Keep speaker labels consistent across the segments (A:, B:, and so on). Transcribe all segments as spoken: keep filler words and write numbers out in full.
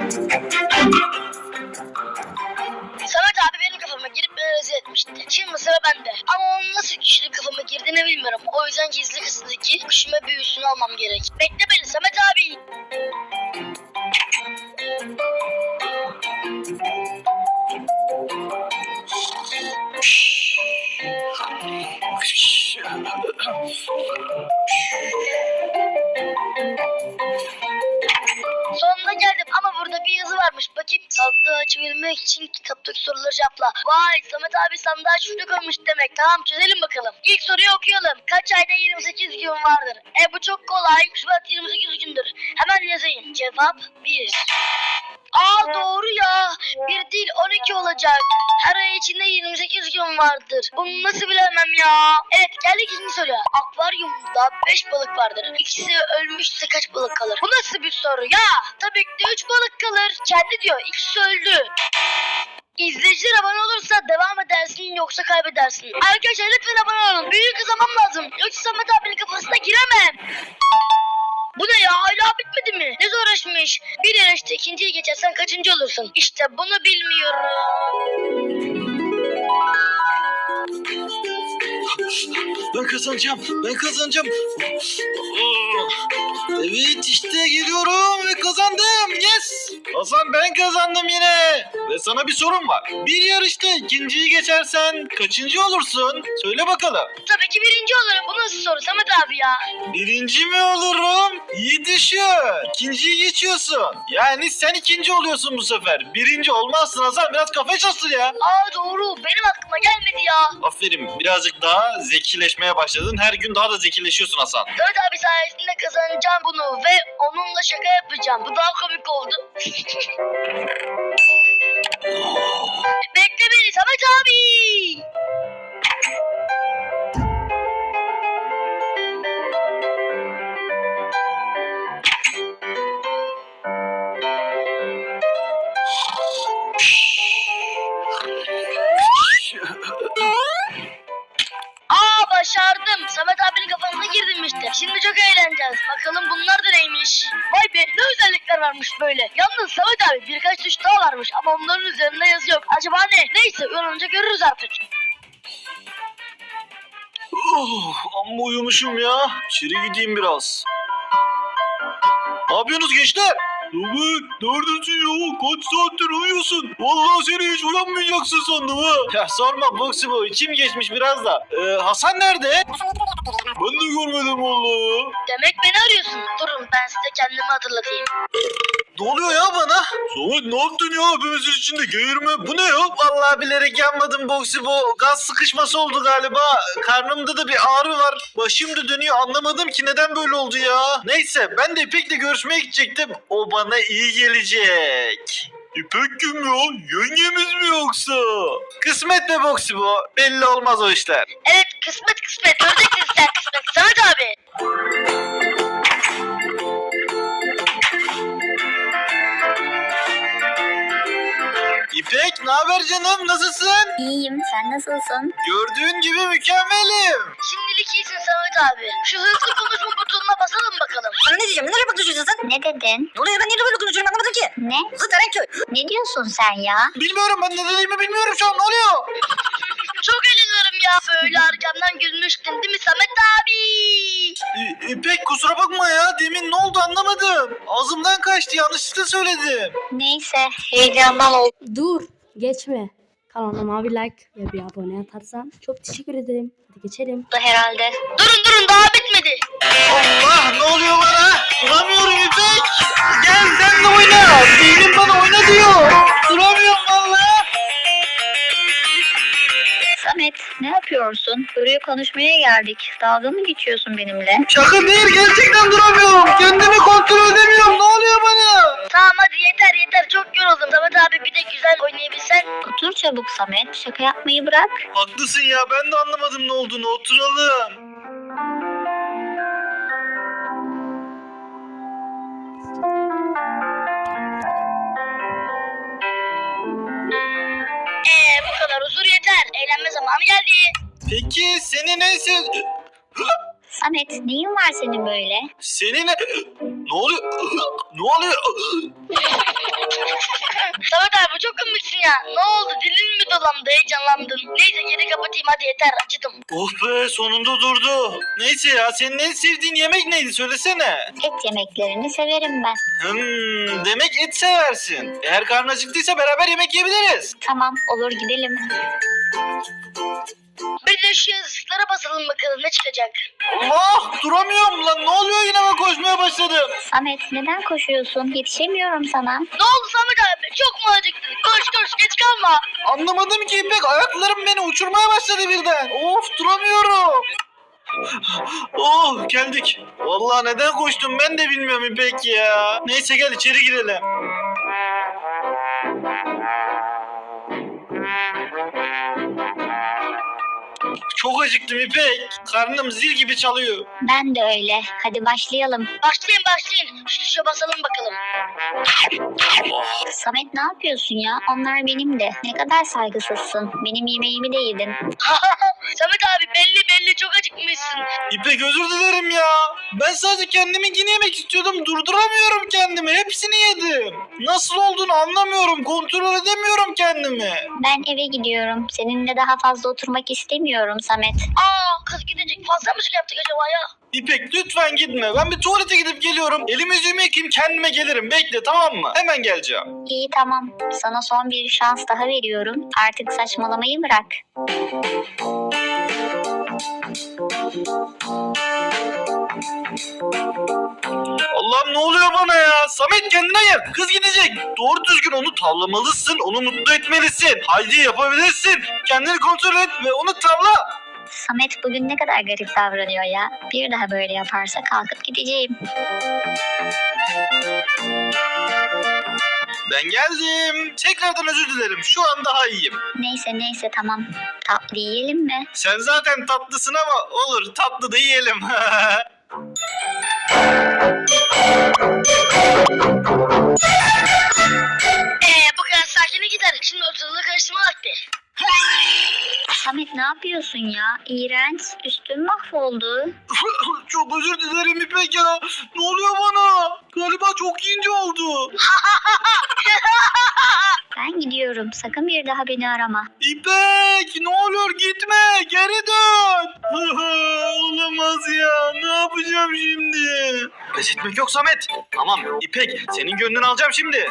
A: Samet abi benim kafama girip beni rezil etmişti. Şimdi sıra bende. Ama onun nasıl kişinin kafama girdiğini bilmiyorum. O yüzden gizli kısımdaki kuşuma büyüsünü almam gerek. Bekle beni Samet abi. Sonunda geldim ama burada bir yazı varmış. Bakayım, sandığı açabilmek için kitaptaki soruları cevapla. Vay, Samet abi sandığa çocuk olmuş demek. Tamam, çözelim bakalım. İlk soruyu okuyalım. Kaç ayda yirmi sekiz gün vardır? E bu çok kolay. Şubat yirmi sekiz gündür. Hemen yazayım. Cevap bir. Aa doğru ya. Bir değil on iki olacak. Her ay içinde yirmi sekiz gün vardır. Bunu nasıl bilemem ya? Evet, geldik ikinci soruya. Akvaryumda beş balık vardır. İkisi ölmüşse kaç balık kalır? Bu nasıl bir soru ya? Tabii ki de üç balık kalır. Kendi diyor, ikisi öldü. İzleyiciler abone olursa devam edersin yoksa kaybedersin. Arkadaşlar lütfen abone olun. Büyük kazanmam lazım. Yoksa Samet abinin kafasına giremem. Bu ne ya, hala bitmedi mi? Ne zorlaşmış. Bir yarışta ikinciyi geçersen kaçıncı olursun? İşte bunu bilmiyorum.
B: Ben kazanacağım. Ben kazanacağım. Evet, işte geliyorum ve kazandım. Yes. Hasan, ben kazandım yine. Ve sana bir sorum var. Bir yarışta ikinciyi geçersen kaçıncı olursun? Söyle bakalım.
A: Tabii ki birinci olurum. Bu nasıl soru Samet abi ya?
B: Birinci mi olurum? İyi düşün. İkinciyi geçiyorsun. Yani sen ikinci oluyorsun bu sefer. Birinci olmazsın Hasan. Biraz kafayı çalıştır ya.
A: Aa doğru. Benim aklıma gelmedi ya.
B: Aferin. Birazcık daha zekileşmeye başladın. Her gün daha da zekileşiyorsun Hasan.
A: Samet abi sayesinde kazanacağım bunu ve onunla şaka yapacağım. Bu daha komik oldu. Bekle beni Samet abi. Aa başardım. Samet abinin kafasına girdim işte. Şimdi çok eğleneceğiz. Bakalım bunlar da neymiş. Vay be, ne özellikler varmış böyle. Yalnız Samet abi birkaç tuş daha varmış ama onların üzerinde yazı yok. Acaba ne? Neyse, uyanınca görürüz artık.
B: Oh, amma uyumuşum ya. İçeri gideyim biraz. Ne yapıyorsunuz gençler? Samet, neredesin ya? Kaç saattir uyuyorsun? Vallahi seni hiç uyanmayacaksın sandım ha. Ya sorma Boxy Boy, içim geçmiş biraz da. Ee, Hasan nerede? Ben de görmedim vallahi.
A: Demek beni arıyorsun. Durun ben size kendimi hatırlatayım.
B: Ne oluyor ya bana? Samet, ne yaptın ya? Hepimizin içinde geğirme. Bu ne ya? Vallahi bilerek yanmadım Boxy Boy. Gaz sıkışması oldu galiba. Karnımda da bir ağrı var. Başım da dönüyor. Anlamadım ki neden böyle oldu ya. Neyse, ben de İpek'le görüşmeye gidecektim. O bana iyi gelecek. İpek kim ya? Yengemiz mi yoksa? Kısmet be Boxy Boy. Belli olmaz o işler.
A: Evet, kısmet kısmet. Göreceksin sen kısmet. Samet abi.
B: İpek, ne haber canım? Nasılsın?
C: İyiyim, sen nasılsın?
B: Gördüğün gibi mükemmelim.
A: Şimdilik iyisin Samet abi. Şu hızlı konuşma butonuna basalım bakalım.
D: Sana ne diyeceğim? Nereye bakıyorsun sen?
C: Ne dedin?
D: Ne oluyor? Ben niye böyle konuşuyorum anlamadım ki.
C: Ne?
D: Kızı Terenköy.
C: Ne diyorsun sen ya?
B: Bilmiyorum, ben ne dediğimi bilmiyorum şu an. Ne oluyor?
A: Çok eğleniyorum ya. Böyle arkamdan gülmüştün değil mi Samet abi?
B: İ- İpek, kusura bakma ya. Demin ne oldu anlamadım. Ağzımdan kaçtı. Yanlışlıkla söyledim.
C: Neyse, heyecandan oldu.
E: Dur, geçme. Kanalıma bir like ve bir abone atarsan çok teşekkür ederim. Hadi geçelim.
C: Herhalde.
A: Durun durun, daha bitmedi.
B: Allah, ne oluyor bana? Duramıyorum İpek. Gel sen de oyna. Beynim bana oyna diyor. Duramıyorum valla.
C: Samet, ne yapıyorsun? Buraya konuşmaya geldik. Dalga mı geçiyorsun benimle?
B: Şaka değil, gerçekten duramıyorum. Kendimi kontrol edemiyorum. Ne oluyor bana?
A: Tamam hadi yeter yeter, çok yoruldum. Samet abi bir de güzel oynayabilsen.
C: Otur çabuk Samet, şaka yapmayı bırak.
B: Haklısın ya, ben de anlamadım ne olduğunu. Oturalım.
A: Eee bu kadar huzur yeter. Eğlenme zamanı geldi.
B: Peki seni neyse...
C: Samet, neyin var senin böyle?
B: Seni ne... Ne oluyor? Ne oluyor?
A: çok komiksin ya. Ne oldu, dilin mi dolandı, heyecanlandın? Neyse geri kapatayım hadi, yeter, acıdım.
B: Oh be, sonunda durdu. Neyse ya, senin en sevdiğin yemek neydi söylesene.
C: Et yemeklerini severim ben.
B: Hmm, demek et seversin. Eğer karnın acıktıysa beraber yemek yiyebiliriz.
C: Tamam, olur gidelim.
A: Bir de şu yazıklara basalım bakalım ne çıkacak.
B: Allah, duramıyorum lan, ne oluyor, yine ben koşmaya başladım.
C: Samet neden koşuyorsun? Yetişemiyorum sana.
A: Ne oldu Samet abi, çok mu acıktın? Koş koş, geç kalma.
B: Anlamadım ki İpek, ayaklarım beni uçurmaya başladı birden. Of, duramıyorum. Oh, geldik. Vallahi neden koştum ben de bilmiyorum İpek ya. Neyse gel içeri girelim. Çok acıktım İpek. Karnım zil gibi çalıyor.
C: Ben de öyle. Hadi başlayalım.
A: Başlayın başlayın, şu tuşa basalım bakalım.
C: Samet ne yapıyorsun ya? Onlar benim de. Ne kadar saygısızsın. Benim yemeğimi de yedin.
A: Samet abi belli belli çok acıkmışsın.
B: İpek özür dilerim ya. Ben sadece kendiminkini yemek istiyordum. Durduramıyorum kendimi. Hepsini yedim. Nasıl olduğunu anlamıyorum. Kontrol edemiyorum kendimi.
C: Ben eve gidiyorum. Seninle daha fazla oturmak istemiyorum Samet.
A: Aa, kız gidecek, fazla mı şey yaptık acaba ya?
B: İpek lütfen gitme. Ben bir tuvalete gidip geliyorum. Elimi yüzümü yıkayayım, kendime gelirim. Bekle, tamam mı? Hemen geleceğim.
C: İyi tamam. Sana son bir şans daha veriyorum. Artık saçmalamayı bırak.
B: Allah'ım, ne oluyor bana ya? Samet kendine gel. Kız gidecek. Doğru düzgün onu tavlamalısın. Onu mutlu etmelisin. Haydi yapabilirsin. Kendini kontrol et ve onu tavla.
C: Samet bugün ne kadar garip davranıyor ya. Bir daha böyle yaparsa kalkıp gideceğim.
B: Ben geldim. Tekrardan özür dilerim. Şu an daha iyiyim.
C: Neyse neyse tamam. Tatlı yiyelim mi?
B: Sen zaten tatlısın ama olur, tatlı da yiyelim.
A: Ee, bu kadar sakine gider. Şimdi ortalığı karıştırma vakti.
C: Samet ne yapıyorsun ya? İğrenç. Üstün mahvoldu.
B: Çok özür dilerim İpek ya. Ne oluyor bana? Galiba çok ince oldu.
C: Ben gidiyorum. Sakın bir daha beni arama.
B: İpek, ne olur gitme. Geri dön. Olamaz ya. Ne yapacağım şimdi? Pes etmek yok Samet. Tamam İpek, senin gönlünü alacağım şimdi.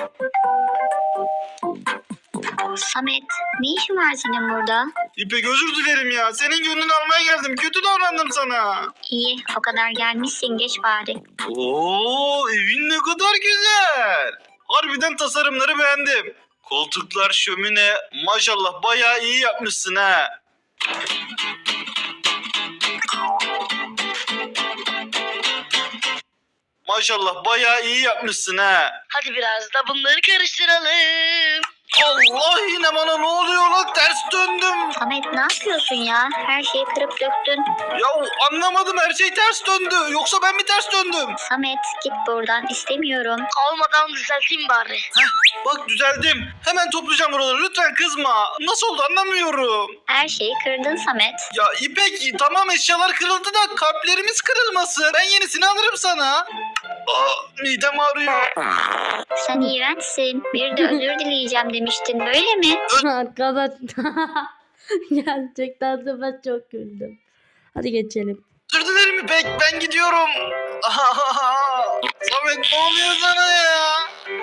C: Samet ne işin var senin burada?
B: İpek özür dilerim ya. Senin gönlünü almaya geldim. Kötü davrandım sana.
C: İyi o kadar gelmişsin geç bari.
B: Oo, evin ne kadar güzel. Harbiden tasarımları beğendim. Koltuklar, şömine, maşallah bayağı iyi yapmışsın ha. Maşallah bayağı iyi yapmışsın ha.
A: Hadi biraz da bunları karıştıralım.
B: Allah, yine bana ne oluyor lan? Ters döndüm.
C: Samet ne yapıyorsun ya? Her şeyi kırıp döktün.
B: Ya anlamadım, her şey ters döndü. Yoksa ben mi ters döndüm?
C: Samet git buradan istemiyorum.
A: Olmadan düzelteyim bari.
B: Bak düzeldim. Hemen toplayacağım buraları. Lütfen kızma. Nasıl oldu anlamıyorum.
C: Her şeyi kırdın Samet.
B: Ya İpek, tamam eşyalar kırıldı da kalplerimiz kırılmasın. Ben yenisini alırım sana. Aa, midem ağrıyor.
C: Sen iğrençsin. Bir de özür dileyeceğim demiştin böyle mi?
E: Arkadaş. Gerçekten de ben çok güldüm. Hadi geçelim.
B: Özür dilerim İpek, ben gidiyorum. Samet, ne oluyor sana ya?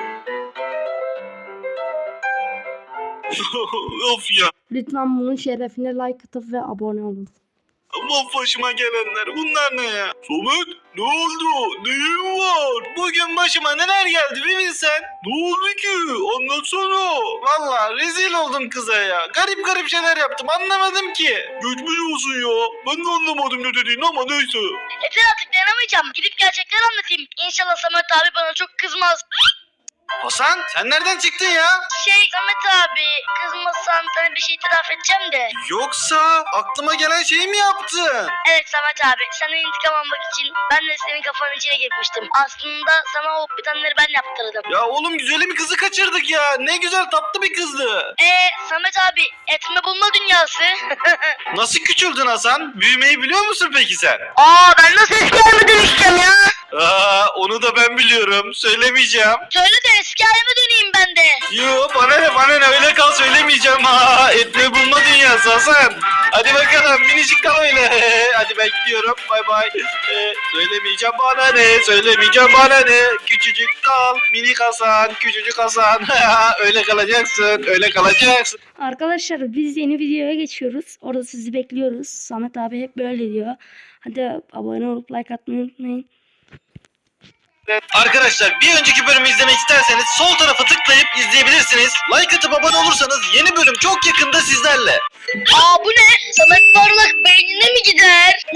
B: Of ya.
E: Lütfen bunun şerefine like atıp ve abone olun.
B: Of, başıma gelenler, bunlar ne ya? Samet, ne oldu? Neyin var? Bugün başıma neler geldi bir bilsen. Ne oldu ki? Anlatsana. Valla rezil oldum kıza ya. Garip garip şeyler yaptım, anlamadım ki. Geçmiş olsun ya. Ben de anlamadım ne dediğini ama neyse.
A: Yeter artık, dayanamayacağım. Gidip gerçekleri anlatayım. İnşallah Samet abi bana çok kızmaz.
B: Hasan, sen nereden çıktın ya?
A: Şey Samet abi, kızmasan sana bir şey itiraf edeceğim de.
B: Yoksa aklıma gelen şeyi mi yaptın?
A: Evet Samet abi, senden intikam almak için ben de senin kafanın içine girmiştim. Aslında sana o bitenleri ben yaptırdım.
B: Ya oğlum, güzelim kızı kaçırdık ya. Ne güzel, tatlı bir kızdı.
A: Eee Samet abi, etme bulma dünyası.
B: Nasıl küçüldün Hasan? Büyümeyi biliyor musun peki sen?
A: Aa, ben nasıl eski halime dönüşeceğim ya?
B: Aa, onu da ben biliyorum. Söylemeyeceğim.
A: Söyle de eski halime döneyim ben de.
B: Yo bana ne bana ne öyle kal söylemeyeceğim. Ha, etme bulma dünyası Hasan. Hadi bakalım minicik kal öyle. Hadi ben gidiyorum. Bay bay. Ee, söylemeyeceğim bana ne. Söylemeyeceğim bana ne. Küçücük kal. Minik Hasan. Küçücük Hasan. Öyle kalacaksın. Öyle kalacaksın.
E: Arkadaşlar biz yeni videoya geçiyoruz. Orada sizi bekliyoruz. Samet abi hep böyle diyor. Hadi abone olup like atmayı unutmayın.
B: Arkadaşlar bir önceki bölümü izlemek isterseniz sol tarafa tıklayıp izleyebilirsiniz. Like atıp abone olursanız yeni bölüm çok yakında sizlerle.
A: Aa bu ne? Samet Parlak beynine mi gider?